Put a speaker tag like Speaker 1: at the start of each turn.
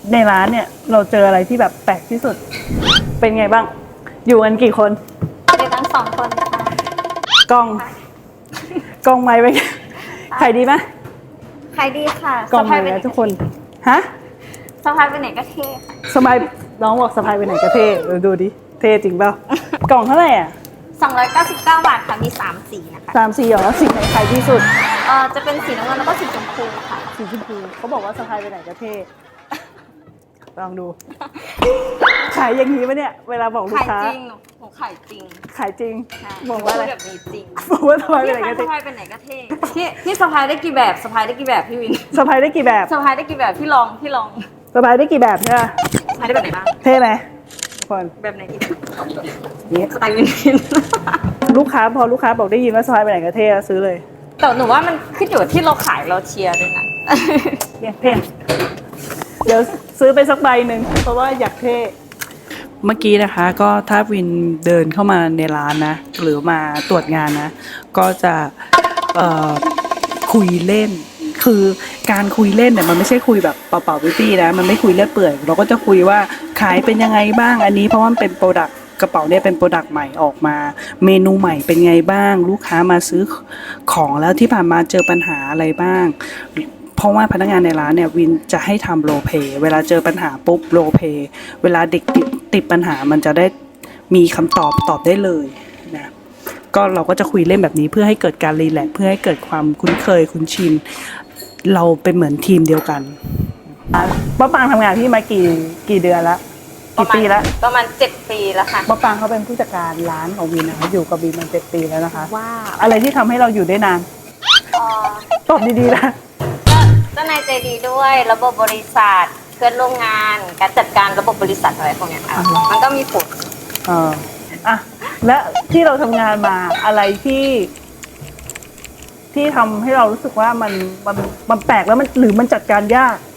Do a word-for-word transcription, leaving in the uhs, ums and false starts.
Speaker 1: ในร้านเนี่ยเราเจออะไรที่แบบแปลกที่สุดเป็นไงบ้างอยู่กันกี่คน
Speaker 2: เป็นทั้งสองคนค่ะ
Speaker 1: กล้องกล้องไม้ไปใครดีไหม
Speaker 2: ใครดีค่ะ
Speaker 1: กล้องไม้แล้วทุกคนฮะ
Speaker 2: สะพายไปไหนก็เท่ค่ะ
Speaker 1: สมัยน้องบอกสะพายไปไหนก็เท่ดูดิเท่จริงเปล่ากล่องเท่าไหร่อ่ะ
Speaker 2: สองร้อยเก้าสิบเก้าบาทค่ะมีสามสีนะคะ
Speaker 1: สามสีเหรอสีไหนขายที่สุด
Speaker 2: เอ่อจะเป็นสีน้ำเงินแล้วก็สีชมพูค่ะ
Speaker 1: สีชมพูเขาบอกว่าสะพายไปไหนก็เท่ลองดูขายอย่างนี้ไหมเนี่ยเวลาบอกลูกค้า
Speaker 2: ขายจริงหนูขายจริง
Speaker 1: ขายจริง
Speaker 2: บอกว่าแบบนี้จริง
Speaker 1: บอกว่าสะพายไปไหนก็เท่
Speaker 2: สะพายไปไหนก็เท่พี่พี่สะพายได้กี่แบบสะพายได้กี่แบบพี่วิน
Speaker 1: สะพายได้กี่แบบ
Speaker 2: สะพายได้กี่แบบพี่ลองพี่ลอง
Speaker 1: สะพายได้กี่แบบเนี่ย
Speaker 2: สะพายได้แบบไหนบ้าง
Speaker 1: เท่ไหมคน
Speaker 2: แบบไหนอีกนี่สไตล์วินวิน
Speaker 1: ลูกค้าพอลูกค้าบอกได้ยินว่าสะพายไปไหนก็เท่ซื้อเลย
Speaker 2: แต่หนูว่ามันขึ้นอยู่ที่เราขายเราเชียร์ด้วยนะ
Speaker 1: เท่เดี๋ยวซื้อไปสักใบหนึ่งเพราะว่าอยากเท่เมื่อกี้นะคะก็ถ้าวินเดินเข้ามาในร้านนะหรือมาตรวจงานนะก็จะเอ่อคุยเล่นคือการคุยเล่นเนี่ยมันไม่ใช่คุยแบบเปล่าๆปี้ๆนะมันไม่คุยเลื่อยเปื่อยเราก็จะคุยว่าขายเป็นยังไงบ้างอันนี้เพราะว่ามันเป็นโปรดักต์กระเป๋าเนี่ยเป็นโปรดักต์ใหม่ออกมาเมนูใหม่เป็นไงบ้างลูกค้ามาซื้อของแล้วที่ผ่านมาเจอปัญหาอะไรบ้างเพราะว่าพนักงานในร้านเนี่ยวินจะให้ทำโรลเพลย์เวลาเจอปัญหาปุ๊บโรลเพลย์เวลาเด็กติดติดปัญหามันจะได้มีคำตอบตอบได้เลยนะก็เราก็จะคุยเล่นแบบนี้เพื่อให้เกิดการรีแลกซ์เพื่อให้เกิดความคุ้นเคยคุ้นชินเราเป็นเหมือนทีมเดียวกันป้าปางทำงานที่มากี่กี่เดือนแล้วกี่ปีแล้ว
Speaker 2: ประมาณเจ็ดปีแล้วค่ะ
Speaker 1: ป้าปางเขาเป็นผู้จัดการร้านของวินนะคะอยู่กับวินมาเจ็ดปีแล้วนะคะ
Speaker 2: ว้าว
Speaker 1: อะไรที่ทำให้เราอยู่ได้นานตอบดีๆนะ
Speaker 2: ก็เจ้านายใจดีด้วยระบบบริษัทเพื่อนร่วมงานการจัดการระบบบริษัทอะไรพวกนี้ค่ะมันก็มีผล
Speaker 1: เอออ่ะและที่เราทำงานมาอะไรที่ที่ทำให้เรารู้สึกว่ามันมันมันแปลกแล้วมันหรือมันจัดการยาก